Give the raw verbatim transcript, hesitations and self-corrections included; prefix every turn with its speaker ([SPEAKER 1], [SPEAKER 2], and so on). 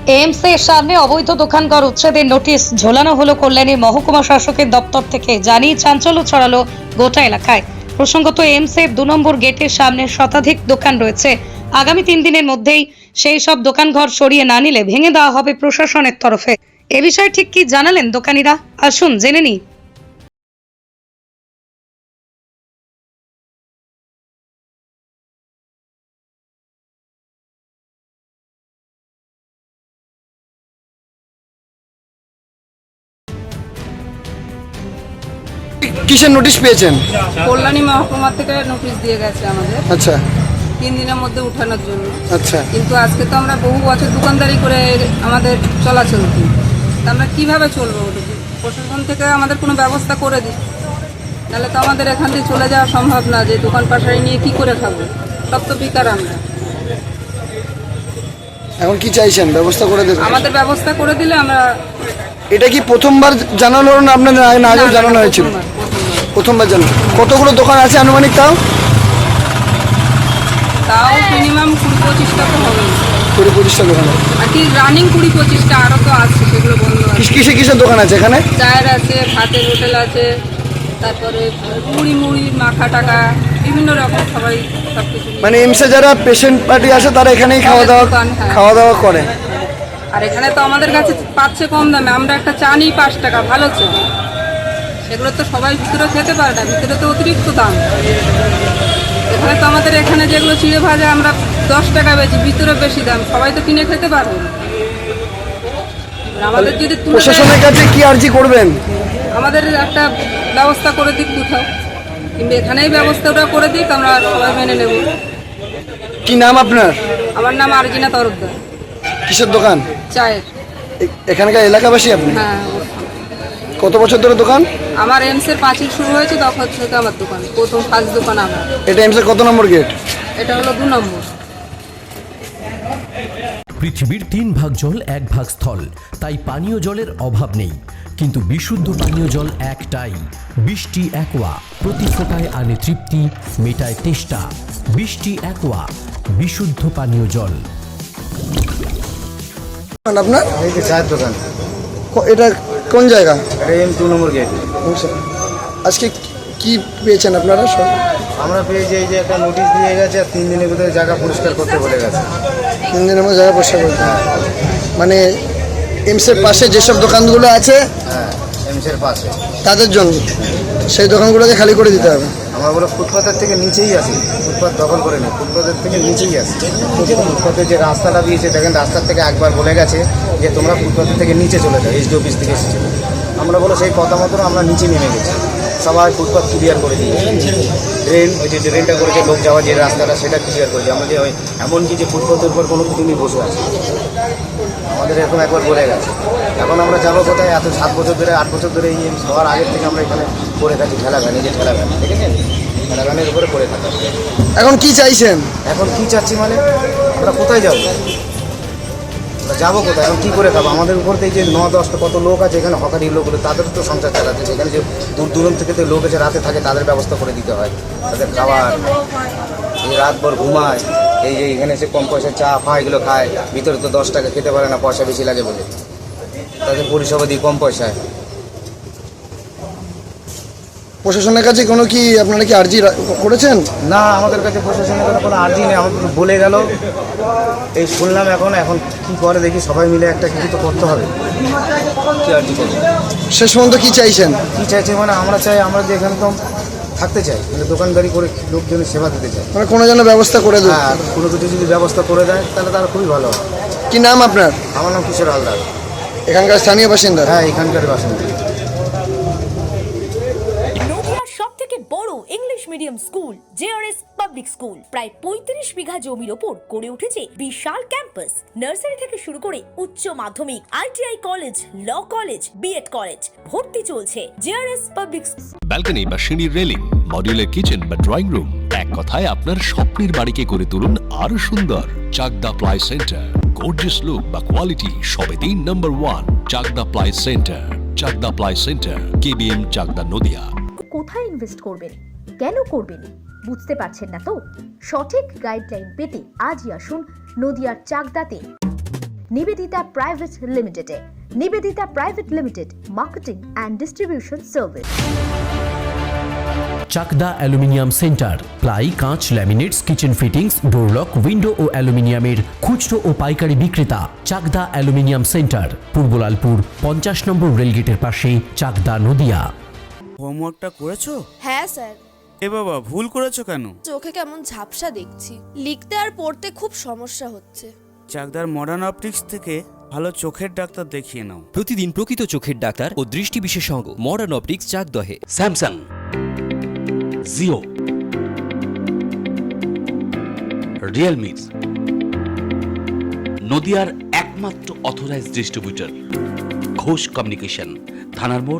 [SPEAKER 1] এমসের সামনে অবৈধ দোকানঘর উচ্ছেদের নোটিশ ঝোলানো হলো কল্যাণী মহকুমা শাসকের দপ্তর থেকে। জানিয়ে চাঞ্চল্য ছড়ালো গোটা এলাকায়। প্রসঙ্গত এমসের দু নম্বর গেটের সামনে শতাধিক দোকান রয়েছে। আগামী তিন দিনের মধ্যেই সেই সব দোকানঘর সরিয়ে না নিলে ভেঙে দেওয়া হবে প্রশাসনের তরফে। এ বিষয়ে ঠিক কি জানালেন দোকানিরা, আসুন জেনে নিই।
[SPEAKER 2] কিসের নোটিশ পেয়েছেন?
[SPEAKER 3] কল্যাণী মহকুমা থেকে নোটিশ দিয়ে গেছে আমাদের
[SPEAKER 2] আচ্ছা
[SPEAKER 3] তিন দিনের মধ্যে উঠানোর জন্য।
[SPEAKER 2] আচ্ছা
[SPEAKER 3] কিন্তু আজকে তো আমরা বহু বছর দোকানদারি করে আমাদের চলাচল কি, তা আমরা কীভাবে চলবো? ওটুকু প্রশাসন থেকে আমাদের কোনো ব্যবস্থা করে দিই, তাহলে তো আমাদের এখান থেকে চলে যাওয়া সম্ভব না। যে দোকান পাশারি নিয়ে কি করে খাবো? সব তো বেকার আমরা।
[SPEAKER 2] এখন কি চাইছেন? ব্যবস্থা করে দেবেন?
[SPEAKER 3] আমাদের ব্যবস্থা করে দিলে আমরা।
[SPEAKER 2] এটা কি প্রথমবার জানানো হলো না আপনাদের? না আগেও জানানো হয়েছিল?
[SPEAKER 3] প্রথমবার, প্রথমবার।
[SPEAKER 2] প্রথমবার জানানো। কতগুলো দোকান আছে আনুমানিক? তাও
[SPEAKER 3] তাও মিনিমাম কুড়ি পঁচিশটা তো হবে,
[SPEAKER 2] কুড়ি পঁচিশটা দোকান আছে।
[SPEAKER 3] আর কি রানিং কুড়ি পঁচিশটা, আরও তো আছে, সেগুলো বন্ধ আছে।
[SPEAKER 2] কিস- কিসে কিসের দোকান আছে এখানে?
[SPEAKER 3] চায়ের আছে, ভাতের হোটেল আছে, তারপরে মুড়ি মুড়ি মাখা টাকা বিভিন্ন রকম সবাই সব কিছু।
[SPEAKER 2] মানে এমসে যারা পেশেন্ট পার্টি আসে তারা এখানেই খাওয়া দাওয়া
[SPEAKER 3] দোকান, হ্যাঁ।
[SPEAKER 2] খাওয়া দাওয়া করে।
[SPEAKER 3] আর এখানে তো আমাদের কাছে পাচ্ছে কম দামে, আমরা একটা চা নিই পাঁচ টাকা, ভালো চা। সেগুলো তো সবাই ভিতরে খেতে পারে না, ভিতরে তো অতিরিক্ত দাম। এখানে তো আমাদের এখানে যেগুলো চিড়ে ভাজা আমরা দশ টাকা বেচি, ভিতরে বেশি দাম, সবাই তো কিনে খেতে পারবে না। আমাদের যদি তুলে দেয়-
[SPEAKER 2] প্রশাসনের কাছে কি আর্জি করবেন?
[SPEAKER 3] আমাদের একটা ব্যবস্থা করে দিক কোথাও, কিন্তু এখানেই ব্যবস্থাটা করে দিক, আমরা সবাই মেনে নেব।
[SPEAKER 2] কি নাম আপনার?
[SPEAKER 3] আমার নাম আরজিনা তরফদার।
[SPEAKER 2] কিসের দোকান?
[SPEAKER 3] চায়ের।
[SPEAKER 2] এ- এখানকার এলাকাবাসী আপনি?
[SPEAKER 3] হ্যাঁ,
[SPEAKER 2] কত বছর ধরে দোকান?
[SPEAKER 3] আমার এমসের পাঁচিল শুরু হয়েছে তখন থেকে আমার দোকান, প্রথম ফার্স্ট দোকান আমার।
[SPEAKER 2] এটা এমসের কত নম্বর গেট?
[SPEAKER 3] এটা হলো দু নম্বর।
[SPEAKER 4] পৃথিবীর তিন ভাগ জল এক ভাগ স্থল, তাই পানীয় জলের অভাব নেই। কিন্তু বিশুদ্ধ পানীয় জল একটাই, বৃষ্টি অ্যাকোয়া। প্রতি ফোটায় আনে তৃপ্তি, মেটায় তেষ্টা। বৃষ্টি অ্যাকোয়া, বিশুদ্ধ পানীয় জল।
[SPEAKER 2] আপনার
[SPEAKER 5] এই যে চায়ের দোকান,
[SPEAKER 2] ক- এটা কোন জায়গা?
[SPEAKER 5] এটা এম টু নম্বর গেট।
[SPEAKER 2] আজকে কি পেয়েছেন আপনারা সব?
[SPEAKER 5] আমরা পেয়েছি এই যে একটা নোটিশ দিয়ে গেছে, আর তিন দিনের ভিতরে জায়গা পরিষ্কার করতে বলে গেছে।
[SPEAKER 2] তিন দিনের মধ্যে জায়গা পরিষ্কার করতে হবে। মানে এমসের পাশে যেসব দোকানগুলো আছে
[SPEAKER 5] হ্যাঁ, এমসের পাশে।
[SPEAKER 2] তাদের জন্য সেই দোকানগুলোকে খালি করে দিতে হবে।
[SPEAKER 5] আমরা বলো ফুটপাথের থেকে নিচেই আসি, ফুটপাথ দখল করে নেই, ফুটপাথের থেকে নিচেই আসি। ফুটপাথের যে রাস্তাটা দিয়েছে দেখেন, রাস্তার থেকে একবার বলে গেছে যে তোমরা ফুটপাথের থেকে নিচে চলে যাও, এইচডি অফিস থেকে এসেছিল। আমরা বলো সেই কথা মতন আমরা নিচে নেমে গেছি, সবাই ফুটপাথ ক্লিয়ার করে দিয়েছি। ড্রেন, ওই যে ড্রেনটা করেছে লোক যাওয়া যে রাস্তাটা, সেটা ক্লিয়ার করেছে। আমরা যে ওই এমনকি যে ফুটপাথের উপর কোনো তুমি বসে আছে, আমাদের এরকম একবার বলে গেছে। এখন আমরা যাবো কোথায়? এত সাত বছর ধরে আট বছর ধরে এই হওয়ার আগের থেকে আমরা এখানে পড়ে থাকি, ঠেলাগান, এই যে ঠেলাগান, ঠিক আছে, ঠেলাগানের উপরে পড়ে থাকা।
[SPEAKER 2] এখন কি চাইছেন?
[SPEAKER 5] এখন কি চাচ্ছি মানে আমরা কোথায় যাবো? আমরা যাবো কোথায়? এখন কী করে খাবো? আমাদের উপর থেকে যে ন দশটা কত লোক আছে এখানে, হকারি লোকগুলো, তাদের তো সংসার চালাতে, সেখানে যে দূর দূরান্ত থেকে লোক এসে রাতে থাকে, তাদের ব্যবস্থা করে দিতে হয়, তাদের খাবার, এই রাতভর ঘুমায়, এই যে এখানে এসে কম পয়সা চা ফা এগুলো খায়, ভিতরে তো দশ টাকা খেতে পারে না, পয়সা বেশি লাগে বলে, তাদের পরিষেবা দিই কম পয়সায়।
[SPEAKER 2] প্রশাসনের কাছে কোনো কি আপনারা কি আর্জি রা- করেছেন?
[SPEAKER 5] না, আমাদের কাছে প্রশাসনের কোনো কোনো আর্জি নেই, আমাদের তো বলে গেল, এই শুনলাম। এখন এখন কী করে দেখি, সবাই মিলে একটা কিছু তো করতে হবে। কী আর্জি করবো?
[SPEAKER 2] শেষ পর্যন্ত কি চাইছেন?
[SPEAKER 5] কী চাইছে মানে আমরা চাই, আমরা যে এখানে তো থাকতে চাই, মানে দোকানদারি করে লোকজনের সেবা দিতে চাই।
[SPEAKER 2] মানে কোনো যেন ব্যবস্থা করে দেন।
[SPEAKER 5] হ্যাঁ, কোনো কিছু যদি ব্যবস্থা করে দেয় তাহলে তারা খুবই ভালো হয়।
[SPEAKER 2] কি নাম আপনার?
[SPEAKER 5] আমার নাম কিশোর হালদার।
[SPEAKER 2] এখানকার স্থানীয় বাসিন্দা?
[SPEAKER 5] হ্যাঁ, এখানকার বাসিন্দা।
[SPEAKER 6] নদিয়ার সব থেকে বড় English medium school JRS public school, প্রায় পঁয়ত্রিশ বিঘা জমির ওপর গড়ে উঠেছে বিশাল ক্যাম্পাস। নার্সারি থেকে শুরু করে উচ্চ মাধ্যমিক, ITI college, law college, BEd college, ভর্তি চলছে। জেআরএস পাবলিক
[SPEAKER 7] ব্যালকনি বা সিঁড়ির রেলিং, মডিউলার কিচেন বা ড্রয়িং রুম, এক কথায় আপনার স্বপ্নের বাড়িকে করে তুলুন আরো সুন্দর। Chakdah ply centre, gorgeous look বা কোয়ালিটি সবে তিন number one. Chakdah ply centre, Chakdah ply centre, KBM, Chakdah, Nadia.
[SPEAKER 8] কোথায় ইনভেস্ট করবেন, কেন করবেন বুঝতে পারছেন না তো? সঠিক গাইডলাইন পেতে আজই আসুন নদিয়ার চাকদাতে। নিবেদিতা প্রাইভেট লিমিটেডে। Nivedita private limited, marketing and distribution service.
[SPEAKER 4] Chakdah aluminium centre, ply, কাঁচ, laminates, kitchen fittings, door lock, window ও অ্যালুমিনিয়ামের খুচরো ও পাইকারি বিক্রেতা। চাকদা অ্যালুমিনিয়াম সেন্টার, পূর্বলালপুর, পঞ্চাশ নম্বর রেলগেটের পাশে, চাকদা, নদিয়া।
[SPEAKER 9] হোমওয়ার্কটা করেছো?
[SPEAKER 10] হ্যাঁ স্যার।
[SPEAKER 9] এ বাবা, ভুল করেছো কেন?
[SPEAKER 10] চোখে কেমন ঝাপসা দেখছি, লিখতে আর পড়তে খুব সমস্যা হচ্ছে।
[SPEAKER 9] চাকদার মডার্ন অপটিক্স থেকে ভালো চোখের ডাক্তার দেখিয়ে নাও।
[SPEAKER 11] প্রতিদিন প্রকৃত চোখের ডাক্তার ও দৃষ্টি বিশেষজ্ঞ মডার্ন অপটিক্স চাকদহে।
[SPEAKER 12] স্যামসাং, জিও, রিয়েলমি, নদিয়ার একমাত্র অথরাইজড ডিস্ট্রিবিউটর ঘোষ কমিউনিকেশন, থানার মোড়,